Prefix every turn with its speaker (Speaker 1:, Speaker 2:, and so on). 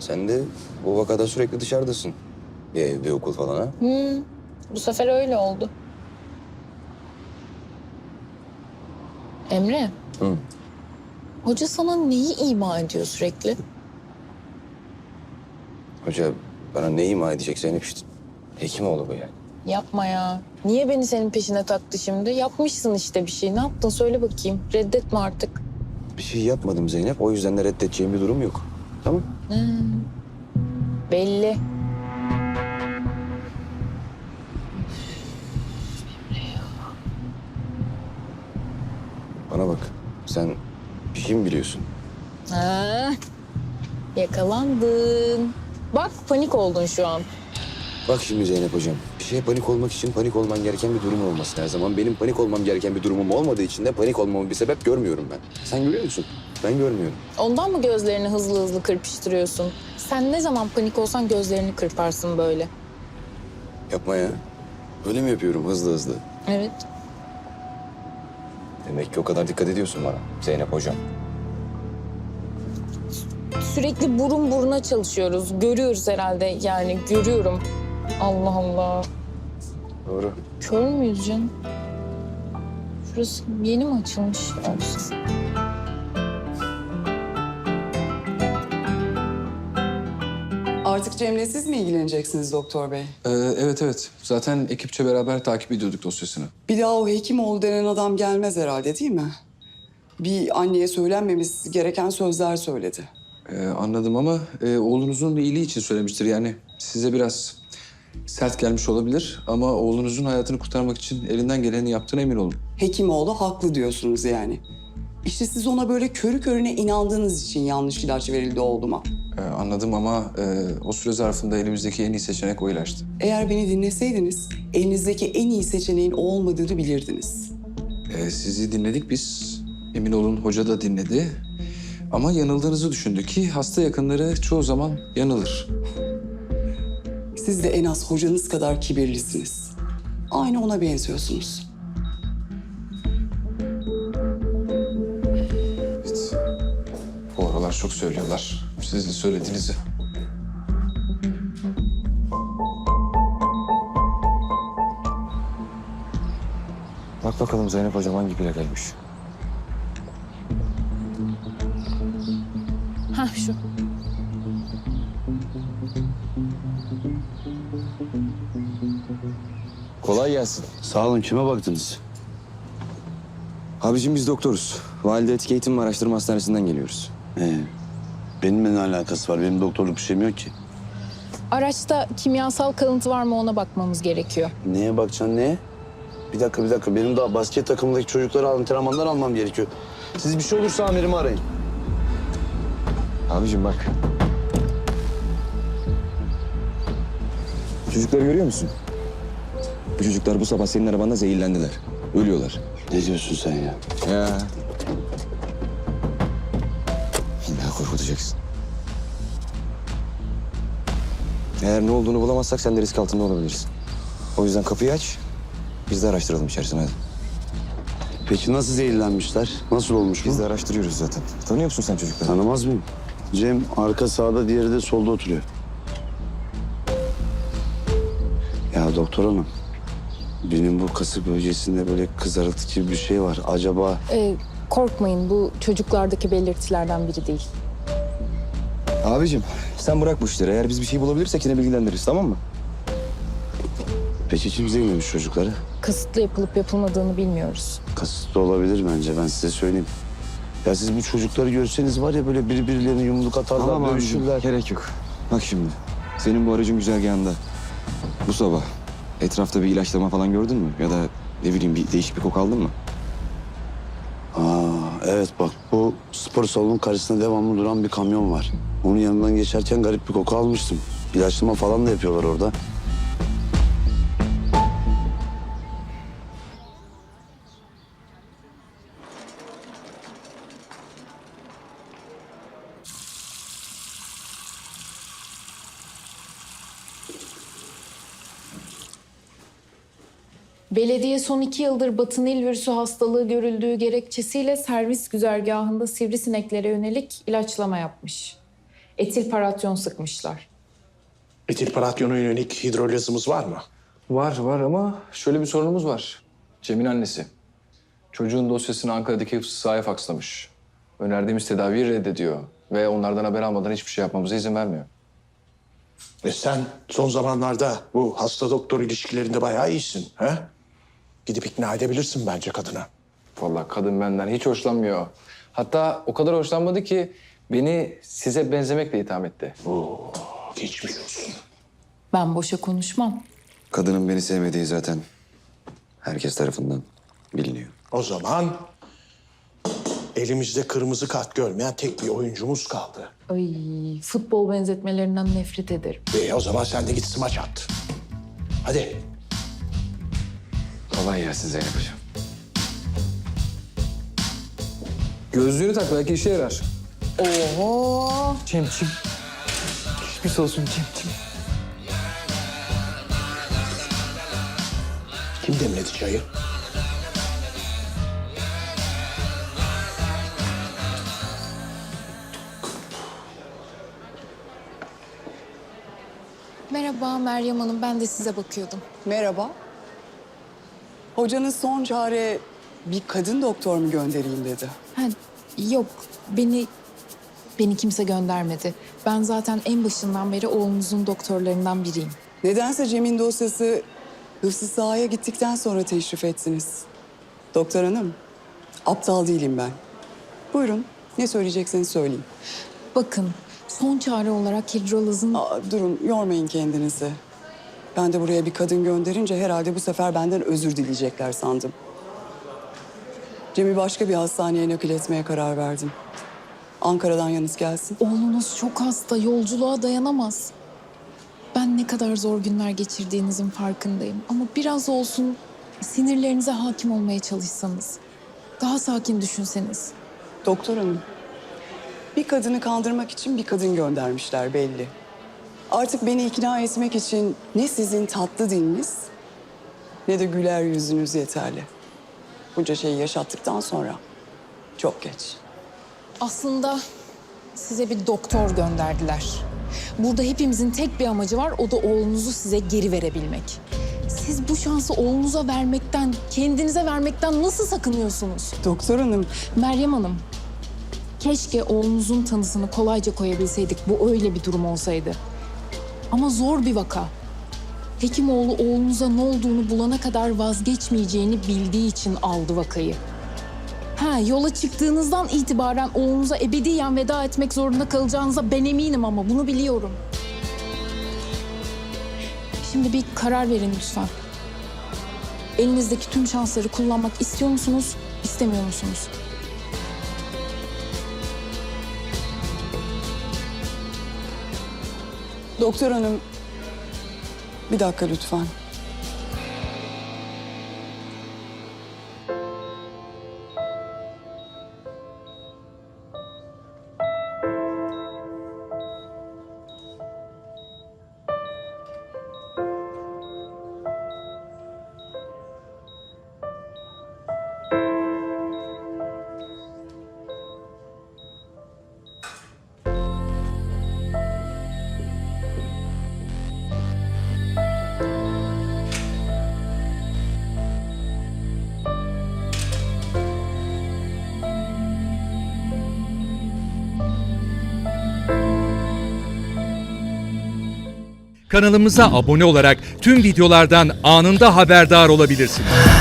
Speaker 1: Sen de bu vakada sürekli dışarıdasın. Bir ev, bir okul falan ha?
Speaker 2: Bu sefer öyle oldu. Emre,
Speaker 1: Hı.
Speaker 2: hoca sana neyi ima ediyor sürekli?
Speaker 1: Hoca bana ne ima edecek Zeynep işte? Hekimoğlu bu yani.
Speaker 2: Yapma ya. Niye beni senin peşine taktı şimdi? Yapmışsın işte bir şey. Ne yaptın söyle bakayım. Reddetme artık.
Speaker 1: Bir şey yapmadım Zeynep. O yüzden de reddedeceğim bir durum yok. Tamam.
Speaker 2: Belli.
Speaker 1: Bana bak. Sen bir şey mi biliyorsun?
Speaker 2: Ha, yakalandın. Bak panik oldun şu an.
Speaker 1: Bak şimdi Zeynep hocam. Bir şeye panik olmak için panik olman gereken bir durum olması her zaman. Benim panik olmam gereken bir durumum olmadığı için de panik olmamın bir sebep görmüyorum ben. Sen görüyor musun? Ben görmüyorum.
Speaker 2: Ondan mı gözlerini hızlı hızlı kırpıştırıyorsun? Sen ne zaman panik olsan gözlerini kırparsın böyle.
Speaker 1: Yapma ya. Öyle mi yapıyorum hızlı hızlı?
Speaker 2: Evet.
Speaker 1: Demek ki o kadar dikkat ediyorsun bana Zeynep hocam.
Speaker 2: Sürekli burun buruna çalışıyoruz. Görüyoruz herhalde yani görüyorum. Allah Allah.
Speaker 1: Doğru.
Speaker 2: Kör müyüz canım? Şurası yeni mi açılmış?
Speaker 3: Artık Cem'le siz mi ilgileneceksiniz doktor bey?
Speaker 4: Evet. Zaten ekipçe beraber takip ediyorduk dosyasını.
Speaker 3: Bir daha o Hekimoğlu denen adam gelmez herhalde değil mi? Bir anneye söylenmemesi gereken sözler söyledi.
Speaker 4: Anladım ama oğlunuzun iyiliği için söylemiştir. Yani size biraz sert gelmiş olabilir ama oğlunuzun hayatını kurtarmak için elinden geleni yaptığına emin olun.
Speaker 3: Hekimoğlu haklı diyorsunuz yani. İşte siz ona böyle körü körüne inandığınız için yanlış ilaç verildi oğluma.
Speaker 4: Anladım ama o süre zarfında elimizdeki en iyi seçenek o ilaçtı.
Speaker 3: Eğer beni dinleseydiniz elinizdeki en iyi seçeneğin o olmadığını bilirdiniz.
Speaker 4: Sizi dinledik biz. Emin olun hoca da dinledi. Ama yanıldığınızı düşündü ki hasta yakınları çoğu zaman yanılır.
Speaker 3: Siz de en az hocanız kadar kibirlisiniz. Aynı ona benziyorsunuz.
Speaker 4: Evet. Bu aralar çok söylüyorlar. Sizin söylediğinizi.
Speaker 1: Bak bakalım Zeynep hocam hangi plakaymış?
Speaker 2: Hah şu.
Speaker 1: Kolay gelsin.
Speaker 5: Sağ olun, kime baktınız?
Speaker 1: Abicim biz doktoruz. Valide Etik Eğitim ve Araştırma Hastanesi'nden geliyoruz.
Speaker 5: Benimle ne alakası var? Benim doktorluk bir şeyim yok ki.
Speaker 2: Araçta kimyasal kalıntı var mı ona bakmamız gerekiyor.
Speaker 5: Neye bakacaksın, neye? Bir dakika. Benim daha basket takımındaki çocuklara antrenmanlar almam gerekiyor. Siz bir şey olursa amirimi arayın.
Speaker 1: Abicim bak. Çocukları görüyor musun? Bu çocuklar bu sabah senin arabanda zehirlendiler. Ölüyorlar.
Speaker 5: Ne diyorsun sen ya?
Speaker 1: Ya. İlla korkutacaksın. Eğer ne olduğunu bulamazsak sen de risk altında olabilirsin. O yüzden kapıyı aç. Biz de araştıralım içerisine hadi.
Speaker 5: Peki nasıl zehirlenmişler? Nasıl olmuş bu?
Speaker 1: Biz de araştırıyoruz zaten. Tanıyor musun sen çocukları?
Speaker 5: Tanımaz mıyım? Cem arka sağda, diğeri de solda oturuyor. Ya doktor hanım, benim bu kasık bölgesinde böyle kızarıklık gibi bir şey var. Acaba...
Speaker 2: Korkmayın bu çocuklardaki belirtilerden biri değil.
Speaker 1: Abicim sen bırak bu işleri. Eğer biz bir şey bulabilirsek yine bilgilendiririz, tamam mı?
Speaker 5: Peki kim zehirlemiş çocukları?
Speaker 2: Kasıtlı yapılıp yapılmadığını bilmiyoruz.
Speaker 5: Kasıtlı olabilir bence, ben size söyleyeyim. Ya siz bu çocukları görseniz var ya böyle birbirlerine yumruk atarlar,
Speaker 1: Tamam abicim,
Speaker 5: dövüşürler.
Speaker 1: gerek yok. Bak şimdi, senin bu aracın güzergahında bu sabah etrafta bir ilaçlama falan gördün mü? Ya da ne bileyim bir değişik bir koku aldın mı?
Speaker 5: Evet bak, bu spor salonunun karşısında devamlı duran bir kamyon var. Onun yanından geçerken garip bir koku almıştım. İlaçlama falan da yapıyorlar orada.
Speaker 2: Belediye son 2 yıldır Batı Nil virüsü hastalığı görüldüğü gerekçesiyle servis güzergahında sivrisineklere yönelik ilaçlama yapmış. Etil paratyon sıkmışlar.
Speaker 6: Etilparatyona yönelik hidrolizimiz var mı?
Speaker 4: Var ama şöyle bir sorunumuz var. Cem'in annesi. Çocuğun dosyasını Ankara'daki hıfzı sahaya fakslamış. Önerdiğimiz tedaviyi reddediyor. Ve onlardan haber almadan hiçbir şey yapmamıza izin vermiyor.
Speaker 6: Sen son zamanlarda bu hasta doktor ilişkilerinde bayağı iyisin. He? Gidip ikna edebilirsin bence kadına.
Speaker 4: Vallahi kadın benden hiç hoşlanmıyor. Hatta o kadar hoşlanmadı ki beni size benzemekle itham etti.
Speaker 6: Geçmiş olsun.
Speaker 2: Ben boşa konuşmam.
Speaker 1: Kadının beni sevmediği zaten herkes tarafından biliniyor.
Speaker 6: O zaman elimizde kırmızı kart görmeyen tek bir oyuncumuz kaldı.
Speaker 2: Ay, futbol benzetmelerinden nefret ederim.
Speaker 6: O zaman sen de git smaç at. Hadi.
Speaker 1: Kolay gelsin Zeynep Hocam.
Speaker 4: Gözlüğünü tak, belki işe yarar.
Speaker 2: Oho!
Speaker 4: Cem'ciğim. Geçmiş olsun Cem'ciğim.
Speaker 6: Kim demledi çayı?
Speaker 2: Merhaba Meryem Hanım, ben de size bakıyordum.
Speaker 3: Merhaba. Hocanız son çare bir kadın doktor mu göndereyim dedi.
Speaker 2: Ha, yok, beni kimse göndermedi. Ben zaten en başından beri oğlunuzun doktorlarından biriyim.
Speaker 3: Nedense Cem'in dosyası hıfzı sahaya gittikten sonra teşrif ettiniz. Doktor hanım, aptal değilim ben. Buyurun, ne söyleyecekseniz söyleyin.
Speaker 2: Bakın, son çare olarak hidrolazın...
Speaker 3: Durun, yormayın kendinizi. Ben de buraya bir kadın gönderince herhalde bu sefer benden özür dileyecekler sandım. Cem'i başka bir hastaneye nakil etmeye karar verdim. Ankara'dan yalnız gelsin.
Speaker 2: Oğlunuz çok hasta, yolculuğa dayanamaz. Ben ne kadar zor günler geçirdiğinizin farkındayım. Ama biraz olsun sinirlerinize hakim olmaya çalışsanız. Daha sakin düşünseniz.
Speaker 3: Doktor hanım, bir kadını kandırmak için bir kadın göndermişler belli. Artık beni ikna etmek için ne sizin tatlı diliniz ne de güler yüzünüz yeterli. Bunca şeyi yaşattıktan sonra çok geç.
Speaker 2: Aslında size bir doktor gönderdiler. Burada hepimizin tek bir amacı var, o da oğlunuzu size geri verebilmek. Siz bu şansı oğlunuza vermekten, kendinize vermekten nasıl sakınıyorsunuz?
Speaker 3: Doktor hanım,
Speaker 2: Meryem Hanım, keşke oğlunuzun tanısını kolayca koyabilseydik. Bu öyle bir durum olsaydı. Ama zor bir vaka. Hekimoğlu oğlunuza ne olduğunu bulana kadar vazgeçmeyeceğini bildiği için aldı vakayı. Yola çıktığınızdan itibaren oğlunuza ebediyen veda etmek zorunda kalacağınıza ben eminim ama bunu biliyorum. Şimdi bir karar verin lütfen. Elinizdeki tüm şansları kullanmak istiyor musunuz, istemiyor musunuz?
Speaker 3: doktor hanım, bir dakika lütfen.
Speaker 7: Kanalımıza abone olarak tüm videolardan anında haberdar olabilirsiniz.